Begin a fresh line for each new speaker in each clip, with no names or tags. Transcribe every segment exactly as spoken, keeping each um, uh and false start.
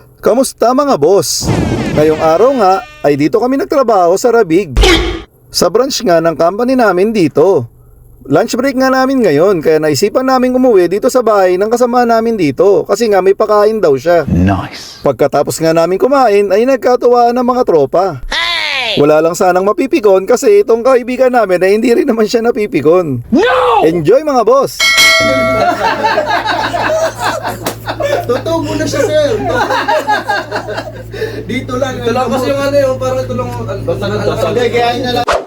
Kamusta mga boss? Ngayong araw nga ay dito kami nagtrabaho sa Rabig. Sa branch nga ng company namin dito. Lunch break nga namin ngayon kaya naisipan namin umuwi dito sa bahay ng kasama namin dito kasi nga may pakain daw siya.
Nice.
Pagkatapos nga namin kumain ay nagkatuwaan ng mga tropa. Wala lang sanang mapipikon kasi itong kaibigan namin ay hindi rin naman siya napipikon.
No!
Enjoy mga boss!
Totoo muna siya, sir. Dito lang.
Ito lang kasi yung ano yung parang ito lang. Basta na dasal.
Hindi, gayahin na lang.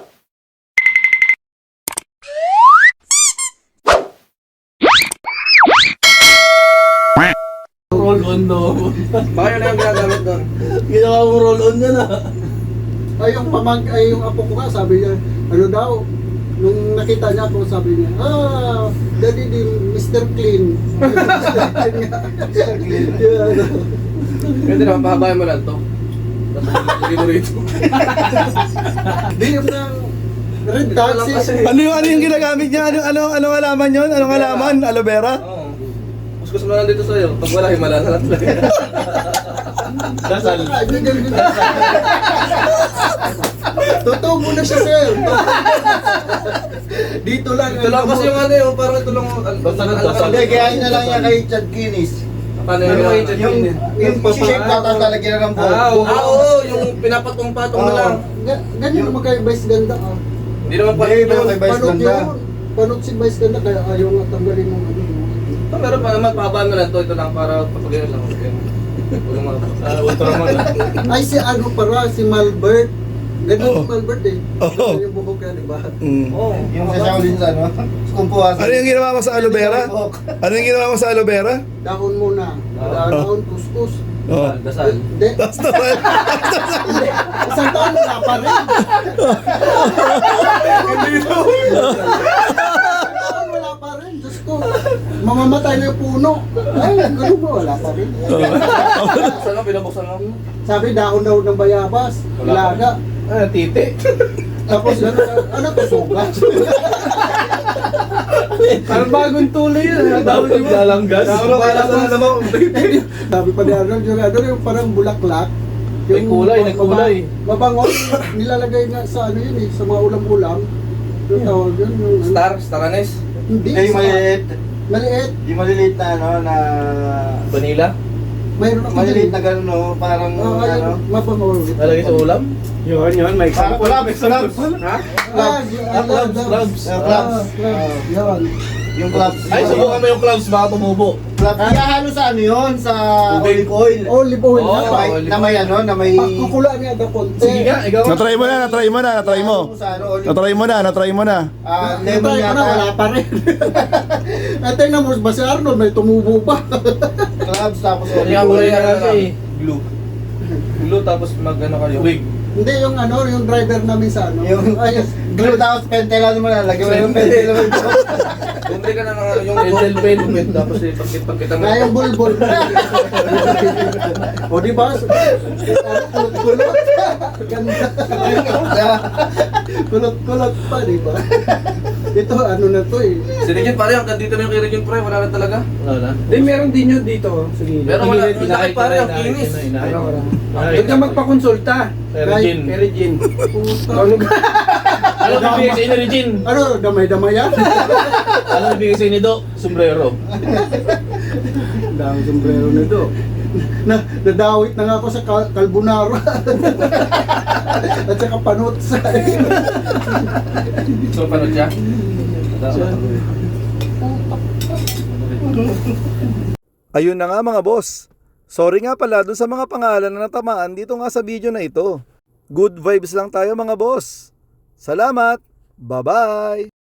Roll on no. Baka yun na yung ginagamit doon.
Ginawa mong roll on yan ah. Ay, yung pamag, ay yung apo ko nga, sabi niya, ano daw, nung nakita niya ako, sabi niya, ah, daddy din, Mister Clean. Mister Clean. Yeah, ano.
Pwede naman, pahabayan mo lang to. Tapos lagay mo rito.
Di yung ng red taxi.
Ano yung ano yung ginagamit niya? Ano ano anong halaman 'yon? Anong halaman? Aloe vera?
Oo. Kuskus mo lang dito sa'yo. Pag wala, himala na lang talaga. Dasal.
Ah, yun, yun, yun. Totoo muna siya, sir. Dito lang.
Ito lang kasi yung ano yung parang ito lang. Basta na dasal.
Hindi, gayahin na lang niya kay Chad Guinness.
Paano yung
Yung,
yung
yung, yung shape na tapos lalagyan ng buhok.
Ah, oo, ah, oo, yung pinapatong-patong na lang.
Ga- Ganyan naman kay Vice Ganda, ah.
Hindi naman pa.
Hindi, pero kay Vice
Panot
Ganda.
yun. Panot si Vice Ganda, kaya ayaw nga tanggalin ng ano.
Ito meron pa naman, pahabayan mo lang to. Ito lang para papagyan lang. Huwag mo mga ultraman lang.
Ay, si ano para, si Malbert. Ganyan
Oo.
si Malbert eh.
Oo.
Ganyan yung buhok niya, di ba?
Mm.
Oo.
Yung sa Shaolin sa ano, kumpuha sa...
Ano yung ginawa mo sa aloe vera? Ano yung ginawa mo sa aloe vera?
Dahon muna. Dahon, kuskus.
Oh.
Dasal.
Hindi.
Basta ba?
Hindi. Isang taon wala pa rin.
Hindi ito.
Isang taon wala pa rin. Diyos ko. Mamamatay na yung puno. Ay, ganun ba? Wala pa rin.
Saan mo, pinabuksan mo?
Sabi, dahon daw ng bayabas.
Wala pa.
Ilaga.
Ah, titi.
Tapos ano, ano to, sugat?
Parang bagong tuloy yun. Dahon yung lalanggas. Dahon yung naman.
Sabi pa ni Arnold, yung ano yung parang bulaklak.
May kulay, nagkulay.
Mabango, nilalagay na sa ano yun eh, sa mga ulam-ulam. Yung tawag yun, yung ano.
Star, star anise.
Hindi,
Hindi, yung
sa-
maliliit.
Maliit.
Yung maliliit na ano, na...
Vanilla.
Mayroon ako
Maliliit
dyan.
na gano'n, no? Parang
Oo, ayun,
ano...
mabango.
Lalagay sa ulam?
Yun, yun, may
Ah, clubs, clubs.
Ha?
Ah, yung-
Ah, clubs, clubs.
Ah, clubs.
Ah, clubs. Yan.
Yung clubs.
Ay, subukan mo yung clubs, baka tumubo.
Clubs. Hinahalo sa ano yun? Sa olive oil.
Olive oil
Oo,
na
Na
pa.
may, na may ano, na may...
Pagkukula niya daw konti.
Sige nga, ikaw.
Na-try mo na, na-try mo na, na-try mo.
Sa ano, olive
Na-try mo na, na-try mo na.
Ah,
Lemon
lemon
yata. Wala
yata.
pa rin. At tingnan mo, ba si Arnold may tumubo pa.
Clubs, tapos
Hindi
olive
nga kulay
oil.
na lang eh. Glue. Glue tapos mag ano kayo. Wig.
Hindi, yung ano, yung driver namin sa ano.
Yung
Ay,
glue tapos pentela naman lalagyan mo yung pentela mo.
Bumili ka na ng ano, yung angel pen. Tapos eh, pagkit pagkita mo.
na yung bulbul. O di ba? Kulot-kulot. Ganda. Kulot-kulot pa, di ba? Ito, ano na to eh.
Si Regine pare, hanggang dito na yung kay Regine pre, wala na talaga.
Wala na. Hindi, meron din yun dito. Sige.
Pero wala, yung laki pare, ang kinis.
Huwag ka magpakonsulta.
Kay Regine.
Kay Regine.
Puta.
Ano ano bibigay sa inyo, Regine?
Ano, damay-damay yan?
Ano bibigay sa inyo, Do? Sombrero.
Dami sombrero na do. Na, nadawit na nga ako sa kal- carbonara. At saka panutsa.
So, panood siya?
Ayun na nga mga boss. Sorry nga pala dun sa mga pangalan na natamaan dito nga sa video na ito. Good vibes lang tayo mga boss. Salamat. Bye-bye.